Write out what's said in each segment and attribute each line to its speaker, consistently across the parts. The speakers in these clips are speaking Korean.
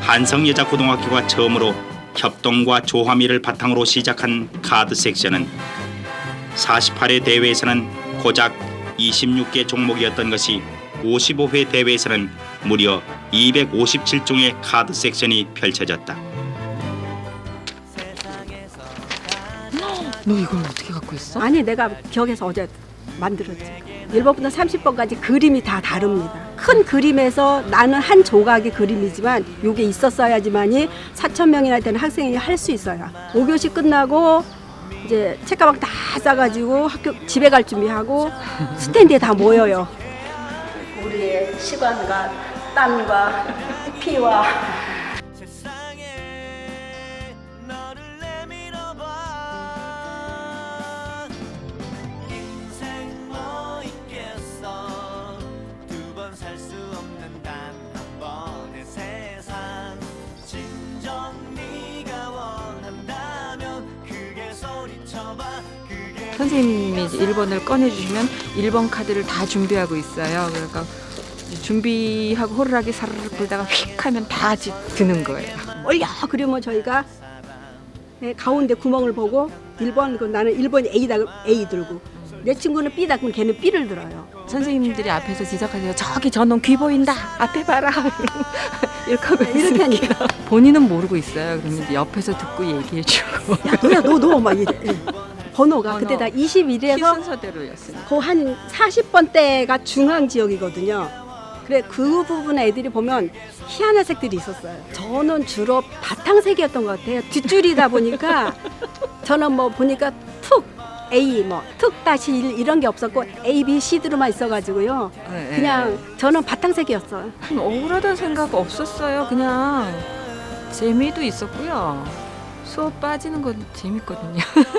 Speaker 1: 한성여자고등학교가 처음으로 협동과 조화미를 바탕으로 시작한 카드 섹션은 48회 대회에서는 고작 26개 종목이었던 것이 55회 대회에서는 무려 257종의 카드 섹션이 펼쳐졌다.
Speaker 2: 너 이걸 어떻게 갖고 있어?
Speaker 3: 아니 내가 기억해서 어제 만들었지. 1번부터 30번까지 그림이 다 다릅니다. 큰 그림에서 나는 한 조각의 그림이지만 이게 있었어야지만이 4,000명이나 되는 학생이 할 수 있어요. 5교시 끝나고 이제 책가방 다 싸가지고 학교 집에 갈 준비하고 스탠드에 다 모여요. 우리의 시간과 땀과 피와
Speaker 2: 선생님이 1번을 꺼내주시면 1번 카드를 다 준비하고 있어요. 그러니까 준비하고 호루라기 사르르 불다가 휙 하면 다 드는 거예요.
Speaker 3: 올려 그러면 저희가 가운데 구멍을 보고 1번 나는 1번이 A 들고 내 친구는 B다 그러면 걔는 B를 들어요.
Speaker 2: 선생님들이 앞에서 지적하세요. 저기 저놈 귀 보인다. 앞에 봐라. 이렇게 하고
Speaker 3: 이렇게 하니까
Speaker 2: 본인은 모르고 있어요. 그러면 이제 옆에서 듣고 얘기해주고.
Speaker 3: 야 너야 너 막 이래. 번호가 그때 다
Speaker 2: 키
Speaker 3: 21에서
Speaker 2: 순서대로였으니까.
Speaker 3: 그 한 40번대가 중앙 지역이거든요. 그래 그 부분 애들이 보면 희한한 색들이 있었어요. 저는 주로 바탕색이었던 것 같아요. 뒷줄이다 보니까 저는 뭐 보니까 툭 A 툭 다시 1 이런 게 없었고 A, B, C들만 있어가지고요.
Speaker 2: 네,
Speaker 3: 그냥 저는 바탕색이었어요.
Speaker 2: 억울하다는 생각 없었어요. 그냥 재미도 있었고요. 수업 빠지는 건 재밌거든요.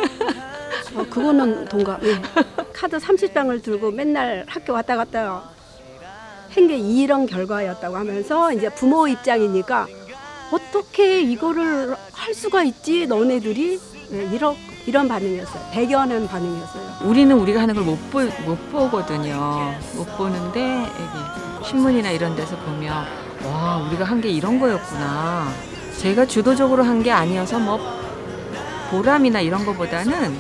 Speaker 3: 그거는 동감. 예. 카드 30장을 들고 맨날 학교 왔다 갔다 한 게 이런 결과였다고 하면서 이제 부모 입장이니까 어떻게 이거를 할 수가 있지 너네들이 이런 반응이었어요. 대견한 반응이었어요.
Speaker 2: 우리는 우리가 하는 걸 못 보거든요. 못 보는데 여기 신문이나 이런 데서 보면 와 우리가 한 게 이런 거였구나. 제가 주도적으로 한 게 아니어서 뭐 보람이나 이런 거보다는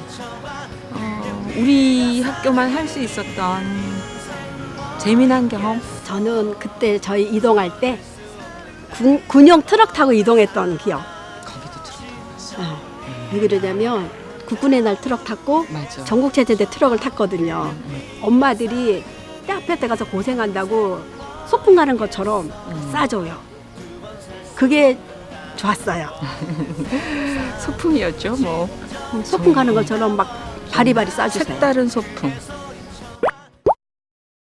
Speaker 2: 우리 학교만 할 수 있었던 재미난 경험.
Speaker 3: 저는 그때 저희 이동할 때 군용 트럭 타고 이동했던 기억.
Speaker 2: 거기도 들었다.
Speaker 3: 왜 그러냐면 국군의 날 트럭 탔고
Speaker 2: 맞아.
Speaker 3: 전국체전대 트럭을 탔거든요. 엄마들이 때 앞에 때 가서 고생한다고 소풍 가는 것처럼 싸줘요. 그게 좋았어요.
Speaker 2: 소풍이었죠 뭐.
Speaker 3: 소풍 가는 것처럼 막 바리바리 싸주세요.
Speaker 2: 색다른 소풍.